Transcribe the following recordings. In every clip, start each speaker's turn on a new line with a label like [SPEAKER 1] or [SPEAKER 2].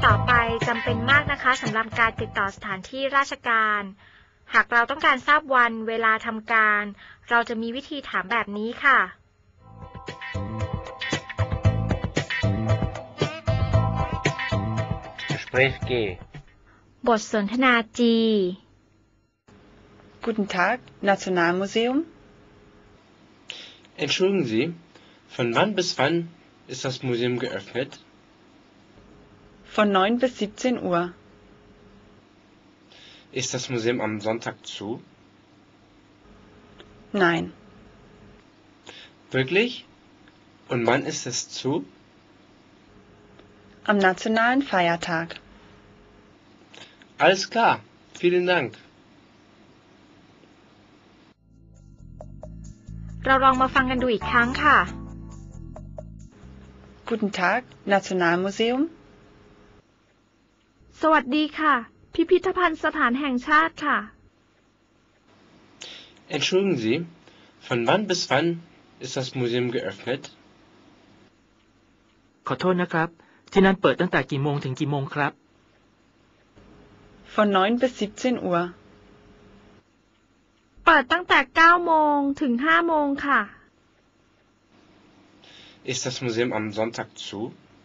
[SPEAKER 1] ต่อไปจำเป็นมากนะคะสำหรับการติดต่อสถานที่ราชการหากเราต้องการทราบวันเวลาทำการเราจะมีวิธีถามแบบนี้ค่ะ
[SPEAKER 2] Gespräch G
[SPEAKER 1] บทสนทนา G
[SPEAKER 3] Guten Tag, Nationalmuseum.
[SPEAKER 2] Entschuldigen Sie, von wann bis wann ist das Museum geöffnet?
[SPEAKER 3] Von 9 bis 17 Uhr.
[SPEAKER 2] Ist das Museum am Sonntag zu?
[SPEAKER 3] Nein.
[SPEAKER 2] Wirklich? Und wann ist es zu?
[SPEAKER 3] Am nationalen Feiertag.
[SPEAKER 2] Alles klar, vielen Dank.
[SPEAKER 1] เราลองมาฟังกันดูอีกครั้งค่ะ
[SPEAKER 3] Guten Tag, Nationalmuseum.
[SPEAKER 1] สวัสดีค่ะพิพิธภัณฑ์สถานแห่งชาติค่ะ
[SPEAKER 2] Entschuldigen Sie, von wann bis wann ist das Museum geöffnet?
[SPEAKER 4] ขอโทษนะครับที่นั่นเปิดตั้งแต่กี่โมงถึงกี่โมงครับ
[SPEAKER 3] Von 9 bis 17 Uhr.
[SPEAKER 1] เปิดตั้งแต่9 โมงถึง5 โมงค่ะ
[SPEAKER 2] Ist das Museum am Sonntag zu?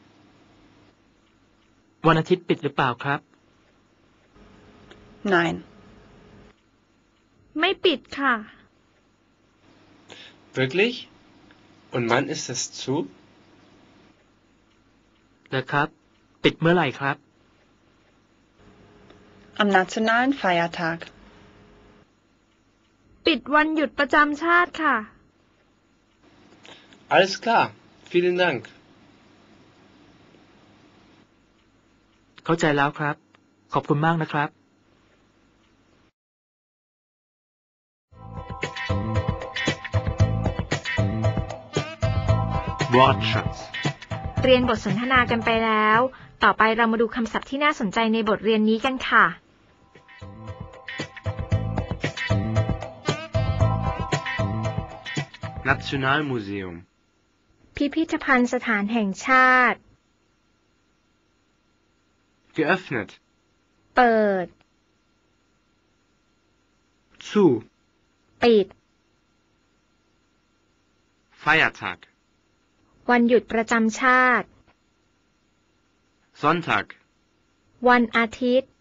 [SPEAKER 4] วันอาทิตย์ปิดหรือเปล่าครับ
[SPEAKER 3] Nein.
[SPEAKER 1] ไม่ปิดค่ะ
[SPEAKER 2] Wirklich? Und wann ist es zu?
[SPEAKER 4] แล้วครับ ปิดเมื่อไหร่ครับ
[SPEAKER 3] Am nationalen Feiertag.
[SPEAKER 1] ปิดวันหยุดประจำชาติค่ะ
[SPEAKER 2] Alles klar, vielen Dank.
[SPEAKER 4] เข้าใจแล้วครับขอบคุณมากนะครับ
[SPEAKER 2] Wortschatz
[SPEAKER 1] เรียนบทสนทนากันไปแล้ว ต่อไปเรามาดูคำศัพท์ที่น่าสนใจในบทเรียนนี้กันค่ะ
[SPEAKER 2] Nationalmuseum
[SPEAKER 1] พิพิธภัณฑ์สถานแห่งชาติ
[SPEAKER 2] geöffnet
[SPEAKER 1] เปิด
[SPEAKER 2] zu
[SPEAKER 1] ปิด
[SPEAKER 2] Feiertag
[SPEAKER 1] วันหยุดประจำชาติ
[SPEAKER 2] Sonntag
[SPEAKER 1] วันอาทิตย์